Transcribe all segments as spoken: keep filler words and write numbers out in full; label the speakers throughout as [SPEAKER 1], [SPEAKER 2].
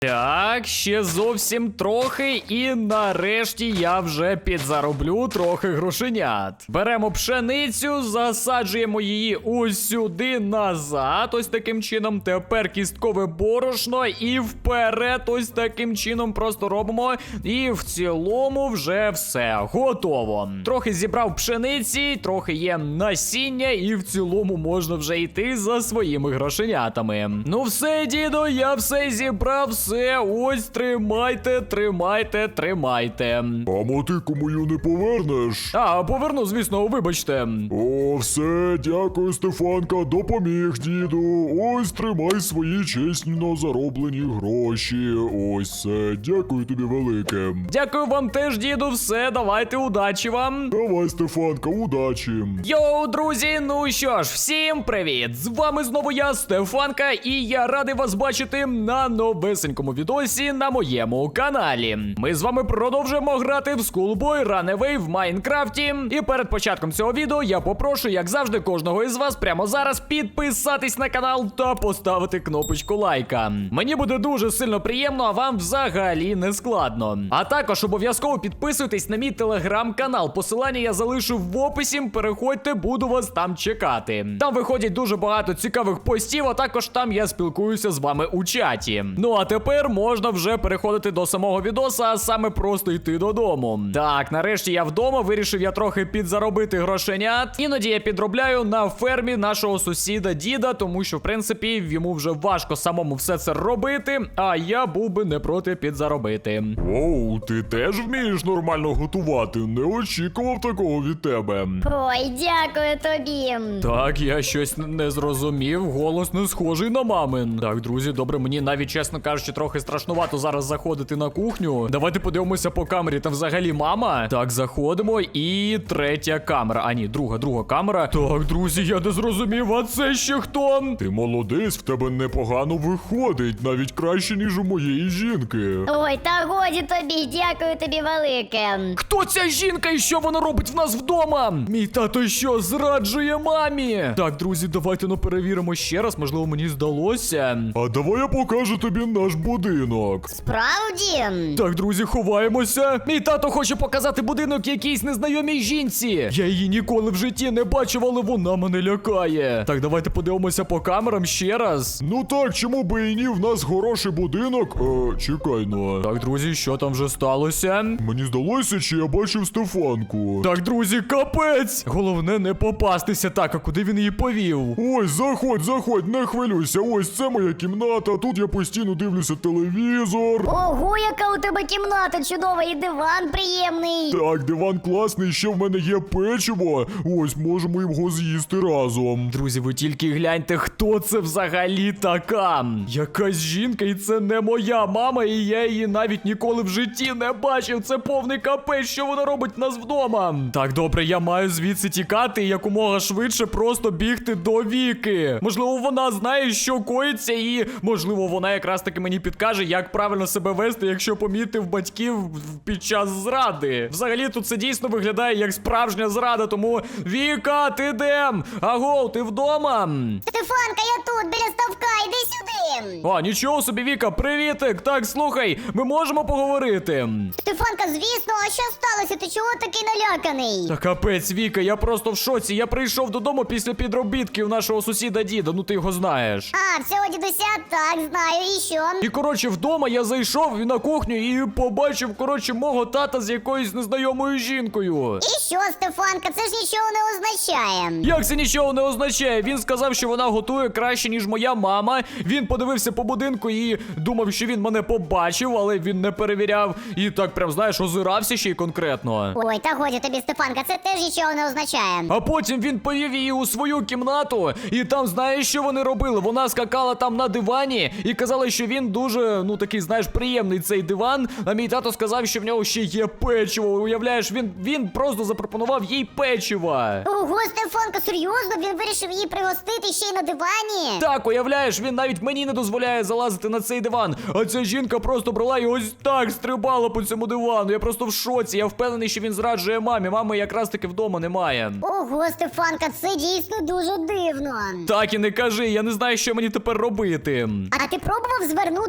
[SPEAKER 1] Так, ще зовсім трохи, і нарешті я вже підзароблю трохи грошенят. Беремо пшеницю, засаджуємо її ось сюди назад, ось таким чином. Тепер кісткове борошно і вперед ось таким чином просто робимо. І в цілому вже все, готово. Трохи зібрав пшениці, трохи є насіння, і в цілому можна вже йти за своїми грошенятами. Ну все, діду, я все зібрав, все, ось тримайте, тримайте, тримайте.
[SPEAKER 2] А мотику мою не повернеш?
[SPEAKER 1] А, поверну, звісно, вибачте.
[SPEAKER 2] О, все, дякую, Стефанка, допоміг, діду. Ось тримай свої чесно зароблені гроші. Ось все, дякую тобі велике.
[SPEAKER 1] Дякую вам теж, діду, все, давайте, удачі вам.
[SPEAKER 2] Давай, Стефанка, удачі.
[SPEAKER 1] Йоу, друзі, ну що ж, всім привіт! З вами знову я, Стефанка, і я радий вас бачити на новесенькому відосі на моєму каналі. Ми з вами продовжуємо грати в Schoolboy Runaway в Майнкрафті. І перед початком цього відео я попрошу, як завжди, кожного із вас прямо зараз підписатись на канал та поставити кнопочку лайка. Мені буде дуже сильно приємно, а вам взагалі не складно. А також обов'язково підписуйтесь на мій телеграм-канал. Посилання я залишу в описі, переходьте, буду вас там чекати. Там виходять дуже багато цікавих постів, а також там я спілкуюся з вами у чаті. Ну а тепер можна вже переходити до самого відоса, а саме просто йти додому. Так, нарешті я вдома, вирішив я трохи підзаробити грошенят. Іноді я підробляю на фермі нашого сусіда діда, тому що, в принципі, йому вже важко самому все це робити, а я був би не проти підзаробити.
[SPEAKER 2] Оу, ти теж вмієш нормально готувати? Не очікував такого від тебе.
[SPEAKER 3] Ой, дякую тобі.
[SPEAKER 1] Так, я щось не зрозумів, голос не схожий на мамин. Так, друзі, добре, мені навіть, чесно кажучи, трохи страшнувато зараз заходити на кухню. Давайте подивимося по камері, там взагалі мама. Так, заходимо, і третя камера. А ні, друга, друга камера. Так, друзі, я не зрозумів, а це ще хто?
[SPEAKER 2] Ти молодець, в тебе непогано виходить, навіть краще, ніж у моєї жінки.
[SPEAKER 3] Ой, та годі тобі, дякую тобі велике.
[SPEAKER 1] Хто ця жінка і що вона робить в нас вдома? Мій тато що, зраджує мамі? Так, друзі, давайте ну перевіримо ще раз, можливо, мені здалося.
[SPEAKER 2] А давай я покажу тобі наш будинок.
[SPEAKER 3] Справді?
[SPEAKER 1] Так, друзі, ховаємося. Мій тато хоче показати будинок якійсь незнайомій жінці. Я її ніколи в житті не бачив, але вона мене лякає. Так, давайте подивимося по камерам ще раз.
[SPEAKER 2] Ну так, чому би і ні, в нас хороший будинок. Е, чекай, ну.
[SPEAKER 1] Так, друзі, що там вже сталося?
[SPEAKER 2] Мені здалося, чи я бачив Стефанку.
[SPEAKER 1] Так, друзі, капець! Головне не попастися. Так, а куди він її повів?
[SPEAKER 2] Ось, заходь, заходь, не хвилюйся. Ось це моя кімната. Тут я постійно дивлюся телевізор.
[SPEAKER 3] Ого, яка у тебе кімната чудова і диван приємний.
[SPEAKER 2] Так, диван класний, ще в мене є печиво. Ось, можемо його з'їсти разом.
[SPEAKER 1] Друзі, ви тільки гляньте, хто це взагалі така. Якась жінка, і це не моя мама, і я її навіть ніколи в житті не бачив. Це повний капець, що вона робить в нас вдома. Так, добре, я маю звідси тікати і якомога швидше просто бігти до Віки. Можливо, вона знає, що коїться, і, можливо, вона якраз таки мені підкаже, як правильно себе вести, якщо помітив батьків під час зради. Взагалі, тут це дійсно виглядає як справжня зрада, тому Віка, ти де? Аго, ти вдома?
[SPEAKER 3] Стефанка, я тут, біля ставка, іди сюди.
[SPEAKER 1] А, нічого собі, Віка, привітик. Так, слухай, ми можемо поговорити?
[SPEAKER 3] Стефанка, звісно, а що сталося? Ти чого такий наляканий?
[SPEAKER 1] Та капець, Віка, я просто в шоці. Я прийшов додому після підробітків нашого сусіда діда, ну ти його знаєш.
[SPEAKER 3] А, всього дідуся, так, знаю, і що?
[SPEAKER 1] І, коротше, вдома я зайшов на кухню і побачив, коротше, мого тата з якоюсь незнайомою жінкою.
[SPEAKER 3] І що, Стефанка, це ж нічого не означає.
[SPEAKER 1] Як це нічого не означає? Він сказав, що вона готує краще, ніж моя мама. Він подивився по будинку і думав, що він мене побачив, але він не перевіряв. І так прям, знаєш, озирався ще й конкретно.
[SPEAKER 3] Ой, та годі тобі, Стефанка, це теж нічого не означає.
[SPEAKER 1] А потім він повів її у свою кімнату, і там, знаєш, що вони робили? Вона скакала там на дивані і казала, що він дуже, ну, такий, знаєш, приємний цей диван. А мій тато сказав, що в нього ще є печиво. Уявляєш, він, він просто запропонував їй печива.
[SPEAKER 3] Ого, Стефанка, серйозно? Він вирішив її пригостити ще й на дивані?
[SPEAKER 1] Так, уявляєш, він навіть мені не дозволяє залазити на цей диван. А ця жінка просто брала і ось так стрибала по цьому дивану. Я просто в шоці. Я впевнений, що він зраджує мамі. Мами якраз таки вдома немає.
[SPEAKER 3] Ого, Стефанка, це дійсно дуже дивно.
[SPEAKER 1] Так і не кажи, я не знаю, що мені тепер робити.
[SPEAKER 3] А ти пробував звернути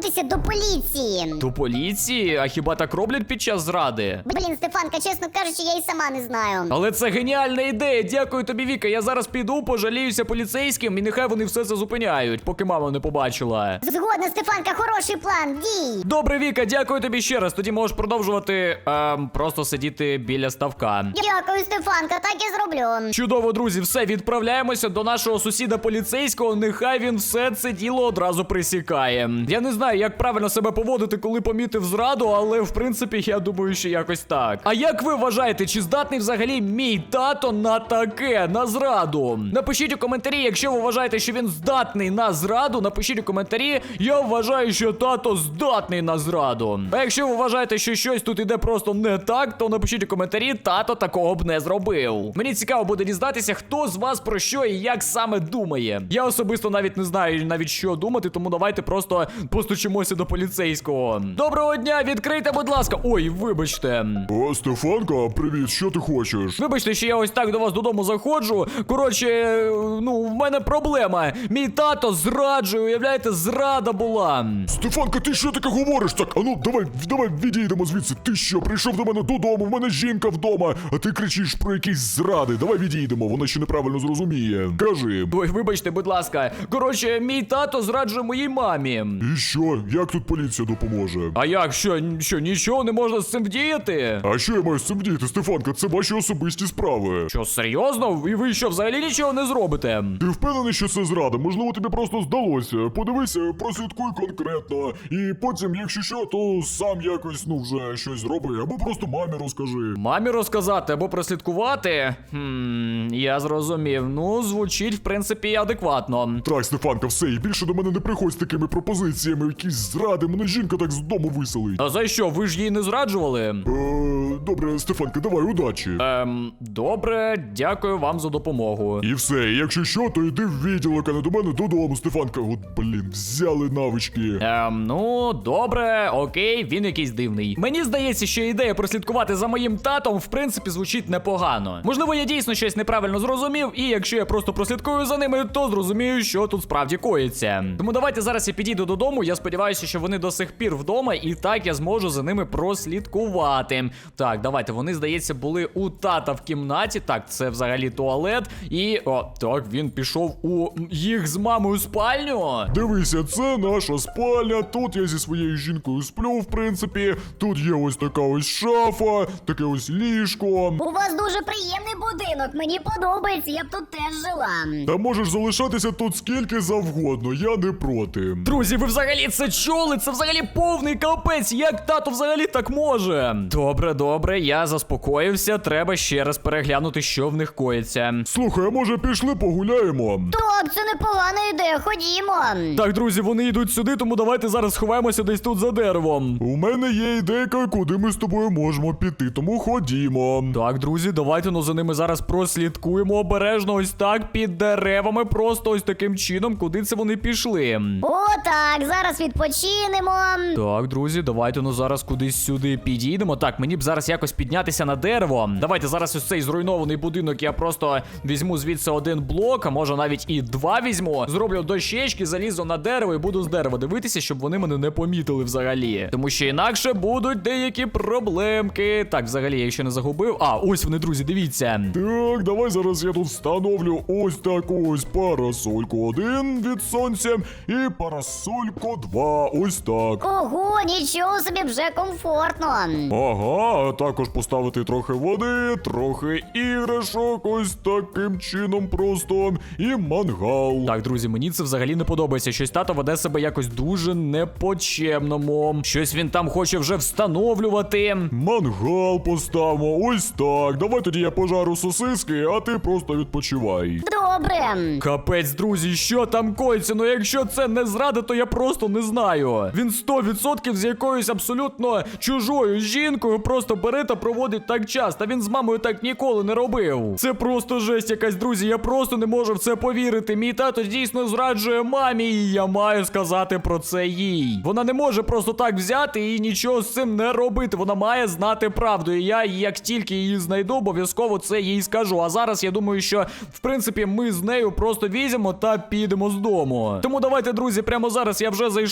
[SPEAKER 3] звернутися до поліції.
[SPEAKER 1] До поліції? А хіба так роблять під час зради?
[SPEAKER 3] Блін, Стефанка, чесно кажучи, я і сама не знаю.
[SPEAKER 1] Але це геніальна ідея. Дякую тобі, Віка. Я зараз піду, пожаліюся поліцейським і нехай вони все це зупиняють, поки мама не побачила.
[SPEAKER 3] Згодна, Стефанка, хороший план, дій.
[SPEAKER 1] Добре, Віка, дякую тобі ще раз. Тоді можеш продовжувати ем, просто сидіти біля ставка.
[SPEAKER 3] Дякую, Стефанка, так і зроблю.
[SPEAKER 1] Чудово, друзі, все, відправляємося до нашого сусіда поліцейського. Нехай він все це діло одразу присікає. Я не знаю, як правильно себе поводити, коли помітив зраду, але в принципі я думаю, що якось так. А як ви вважаєте, чи здатний взагалі мій тато на таке, на зраду? Напишіть у коментарі, якщо ви вважаєте, що він здатний на зраду, напишіть у коментарі. Я вважаю, що тато здатний на зраду. А якщо ви вважаєте, що щось тут іде просто не так, то напишіть у коментарі, тато такого б не зробив. Мені цікаво буде дізнатися, хто з вас про що і як саме думає. Я особисто навіть не знаю навіть що думати, тому давайте просто постучимося до поліцейського. Доброго дня, відкрийте, будь ласка. Ой, вибачте.
[SPEAKER 2] О, Стефанка, привіт, що ти хочеш?
[SPEAKER 1] Вибачте, що я ось так до вас додому заходжу. Коротше, ну, в мене проблема. Мій тато зраджує, уявляєте, зрада була.
[SPEAKER 2] Стефанка, ти що таке говориш? Так, а ну, давай, давай відійдемо звідси. Ти що, прийшов до мене додому, в мене жінка вдома, а ти кричиш про якісь зради. Давай відійдемо, вона ще неправильно зрозуміє. Кажи.
[SPEAKER 1] Ой, вибачте, будь ласка. Коротше, мій тато зраджує моїй мамі.
[SPEAKER 2] І що? Як тут поліція допоможе?
[SPEAKER 1] А як, що, що, нічого не можна з цим вдіяти?
[SPEAKER 2] А що я маю з цим діяти, Стефанка? Це ваші особисті справи.
[SPEAKER 1] Що, серйозно? І ви що, взагалі нічого не зробите?
[SPEAKER 2] Ти впевнений, що це зрада? Можливо, тобі просто здалося. Подивися, прослідкуй конкретно. І потім, якщо що, то сам якось, ну, вже щось зроби. Або просто мамі розкажи.
[SPEAKER 1] Мамі розказати або прослідкувати? Хм, я зрозумів. Ну, звучить, в принципі, адекватно.
[SPEAKER 2] Так, Стефанка, все, і більше до мене не приходь з такими пропозиціями. Якісь зради, мене жінка так з дому виселить.
[SPEAKER 1] А за що? Ви ж її не зраджували?
[SPEAKER 2] Е, добре, Стефанка, давай, удачі.
[SPEAKER 1] Ем, добре, дякую вам за допомогу.
[SPEAKER 2] І все, і якщо що, то йди в відділок, а не до мене додому, Стефанка. От, блін, взяли навички.
[SPEAKER 1] Ем, ну, добре, окей, він якийсь дивний. Мені здається, що ідея прослідкувати за моїм татом, в принципі, звучить непогано. Можливо, я дійсно щось неправильно зрозумів, і якщо я просто прослідкую за ними, то зрозумію, що тут справді коїться. Тому давайте зараз я підійду додому, я сподіваюся, що вони до сих пір вдома, і так я зможу за ними прослідкувати. Так, давайте, вони, здається, були у тата в кімнаті. Так, це взагалі туалет. І, о, так, він пішов у їх з мамою спальню.
[SPEAKER 2] Дивися, це наша спальня. Тут я зі своєю жінкою сплю, в принципі. Тут є ось така ось шафа, таке ось ліжко.
[SPEAKER 3] У вас дуже приємний будинок, мені подобається, я б тут теж жила.
[SPEAKER 2] Та можеш залишатися тут скільки завгодно, я не проти.
[SPEAKER 1] Друзі, ви взагалі це чули? Це взагалі повний капець. Як тато взагалі так може? Добре, добре, я заспокоївся. Треба ще раз переглянути, що в них коїться.
[SPEAKER 2] Слухай, а може пішли погуляємо?
[SPEAKER 3] Так, це непогана ідея, ходімо.
[SPEAKER 1] Так, друзі, вони йдуть сюди, тому давайте зараз сховаємося десь тут за деревом.
[SPEAKER 2] У мене є ідейка, куди ми з тобою можемо піти, тому ходімо.
[SPEAKER 1] Так, друзі, давайте ну за ними зараз прослідкуємо обережно ось так під деревами, просто ось таким чином, куди це вони пішли.
[SPEAKER 3] О, так, зараз відпочинемо.
[SPEAKER 1] Так, друзі, давайте ну зараз кудись сюди підійдемо. Так, мені б зараз якось піднятися на дерево. Давайте зараз ось цей зруйнований будинок я просто візьму звідси один блок, а може навіть і два візьму. Зроблю дощечки, залізу на дерево і буду з дерева дивитися, щоб вони мене не помітили взагалі. Тому що інакше будуть деякі проблемки. Так, взагалі, я ще не загубив. А, ось вони, друзі, дивіться.
[SPEAKER 2] Так, давай зараз я тут встановлю ось таку ось парасольку один від сонця і парасольку два, ось так.
[SPEAKER 3] Ого, нічого собі, вже комфортно.
[SPEAKER 2] Ага, а також поставити трохи води, трохи іграшок, ось таким чином просто, і мангал.
[SPEAKER 1] Так, друзі, мені це взагалі не подобається. Щось тато веде себе якось дуже непочемному. Щось він там хоче вже встановлювати.
[SPEAKER 2] Мангал поставимо, ось так. Давай тоді я пожару сосиски, а ти просто відпочивай.
[SPEAKER 3] Добре.
[SPEAKER 1] Капець, друзі, що там коїться? Ну якщо це не зрада, то я просто не знаю. Він сто відсотків з якоюсь абсолютно чужою жінкою просто бере та проводить так час. Та він з мамою так ніколи не робив. Це просто жесть якась, друзі. Я просто не можу в це повірити. Мій тато дійсно зраджує мамі, і я маю сказати про це їй. Вона не може просто так взяти і нічого з цим не робити. Вона має знати правду. І я, як тільки її знайду, обов'язково це їй скажу. А зараз я думаю, що в принципі ми з нею просто візьмемо та підемо з дому. Тому давайте, друзі, прямо зараз я вже зайшов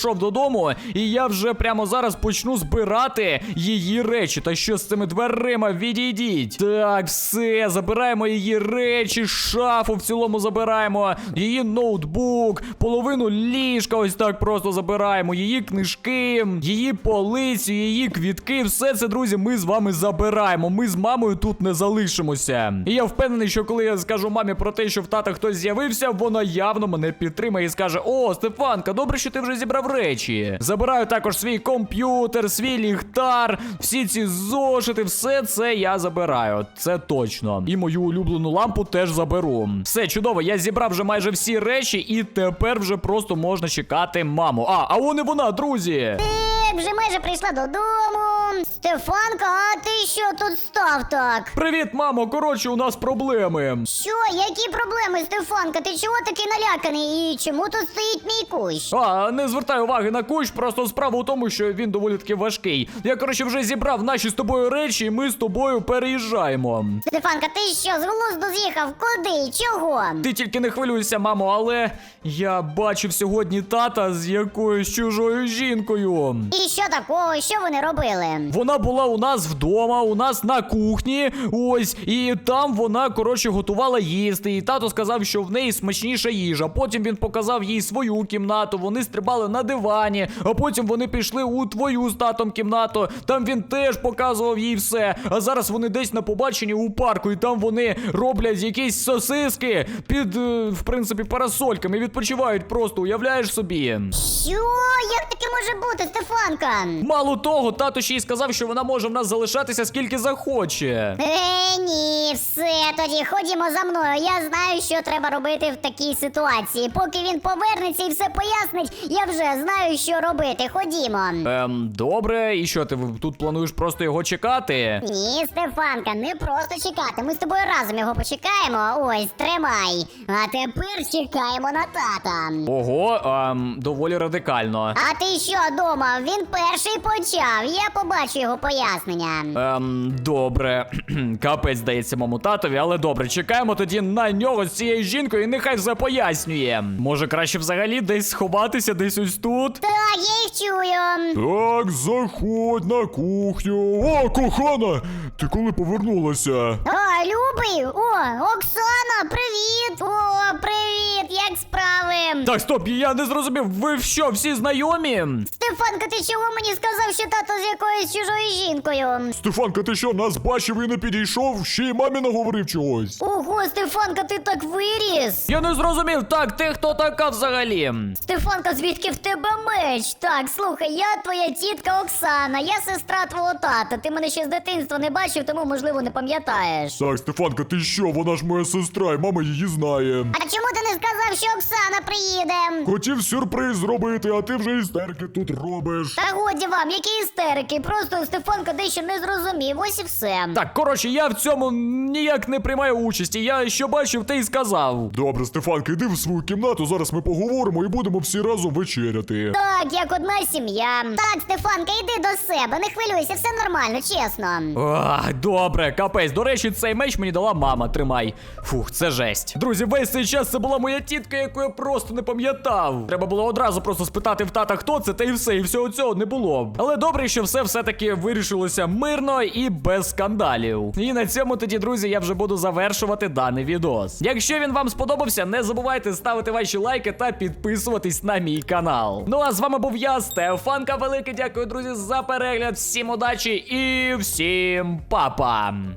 [SPEAKER 1] прийшов додому, і я вже прямо зараз почну збирати її речі. Та що з цими дверима? Відійдіть. Так, все, забираємо її речі, шафу в цілому забираємо, її ноутбук, половину ліжка ось так просто забираємо, її книжки, її полицю, її квітки. Все це, друзі, ми з вами забираємо. Ми з мамою тут не залишимося. І я впевнений, що коли я скажу мамі про те, що в тата хтось з'явився, вона явно мене підтримає і скаже: о, Стефанка, добре, що ти вже зібрав речі. Забираю також свій комп'ютер, свій ліхтар, всі ці зошити, все це я забираю. Це точно. І мою улюблену лампу теж заберу. Все, чудово, я зібрав вже майже всі речі, і тепер вже просто можна чекати маму. А, а вон і вона, друзі!
[SPEAKER 3] Ти вже майже прийшла додому. Стефанка, а ти що тут став так?
[SPEAKER 1] Привіт, мамо! Коротше, у нас проблеми.
[SPEAKER 3] Що, які проблеми, Стефанка? Ти чого такий наляканий? І чому тут стоїть мій кущ?
[SPEAKER 1] А, не звертай уваги на кущ, просто справа у тому, що він доволі таки важкий. Я, коротше, вже зібрав наші з тобою речі, і ми з тобою переїжджаємо.
[SPEAKER 3] Стефанка, ти що, з глузду з'їхав? Куди? Чого?
[SPEAKER 1] Ти тільки не хвилюйся, мамо, але я бачив сьогодні тата з якоюсь чужою жінкою.
[SPEAKER 3] І що такого? Що вони робили?
[SPEAKER 1] Вона була у нас вдома, у нас на кухні, ось, і там вона, коротше, готувала їсти, і тато сказав, що в неї смачніша їжа. Потім він показав їй свою кімнату, вони стрибали на дивані, а потім вони пішли у твою з татом кімнату, там він теж показував їй все, а зараз вони десь на побаченні у парку, і там вони роблять якісь сосиски під, е, в принципі, парасольками, відпочивають просто, уявляєш собі?
[SPEAKER 3] Що? Як таке може бути, Стефанка?
[SPEAKER 1] Мало того, тато ще й сказав, що вона може в нас залишатися скільки захоче.
[SPEAKER 3] Е, ні, все, тоді ходімо за мною. Я знаю, що треба робити в такій ситуації. Поки він повернеться і все пояснить, я вже знаю, що робити. Ходімо.
[SPEAKER 1] Ем, добре, і що, ти тут плануєш просто його чекати?
[SPEAKER 3] Ні, Стефанка, не просто чекати. Ми з тобою разом його почекаємо. Ось, тримай. А тепер чекаємо на тата.
[SPEAKER 1] Ого, ем, доволі радикально.
[SPEAKER 3] А ти що думав? Він перший почав. Я побачу його пояснення.
[SPEAKER 1] Ем, добре. Капець, здається, моєму татові, але добре, чекаємо тоді на нього з цією жінкою, і нехай все пояснює. Може, краще взагалі десь сховатися, десь ось тут?
[SPEAKER 3] Так, я їх чую.
[SPEAKER 2] Так, заходь на кухню. О, кохана! Ти коли повернулася?
[SPEAKER 3] О, Любий! О, Оксана, привіт! О, привіт! Як справи?
[SPEAKER 1] Так, стоп, я не зрозумів, ви що, всі знайомі?
[SPEAKER 3] Стефанка, ти чого мені сказав, що тато з якоюсь чужою жінкою?
[SPEAKER 2] Стефанка, ти що, нас бачив і не підійшов? Ще й мамі наговорив чогось.
[SPEAKER 3] Ого, Стефанка, ти так виріс!
[SPEAKER 1] Я не зрозумів, так, ти хто така взагалі?
[SPEAKER 3] Стефанка, звідки в тебе меч? Так, слухай, я твоя тітка Оксана, я сестра твого тата. Ти мене ще з дитинства не бачив, тому, можливо, не пам'ятаєш.
[SPEAKER 2] Так, Стефанка, ти що? Вона ж моя сестра, і мама її знає.
[SPEAKER 3] А чому ти не сказав, що Оксана приїде?
[SPEAKER 2] Хотів сюрприз зробити, а ти вже істерики тут робиш.
[SPEAKER 3] Та годі вам, які істерики, просто Стефанка дещо не зрозумів, ось і все.
[SPEAKER 1] Так, коротше, я в цьому ніяк не приймаю участі. Я що бачив, те й сказав.
[SPEAKER 2] Добре, Стефанка, йди в свою кімнату, зараз ми поговоримо і будемо всі разом вечеряти.
[SPEAKER 3] Так, як одна сім'я. Так, Стефанка, йди до себе, не хвилюйся, все нормально, чесно.
[SPEAKER 1] Ах, добре, капець. До речі, цей меч мені дала мама, тримай. Фух, це жесть. Друзі, весь цей час це була моя тітка, яку я просто не пам'ятав. Треба було одразу просто спитати в тата, хто це, та і все, і всього цього не було. Але добре, що все все-таки вирішилося мирно і без скандалів. І на цьому тоді, друзі, я вже буду завершувати даний відос. Якщо він вам сподобався, не забувайте ставити ваші лайки та підписуватись на мій канал. Ну а з вами був я, Стефанка. Велике дякую, друзі, за перегляд. Всім удачі і всім па-па!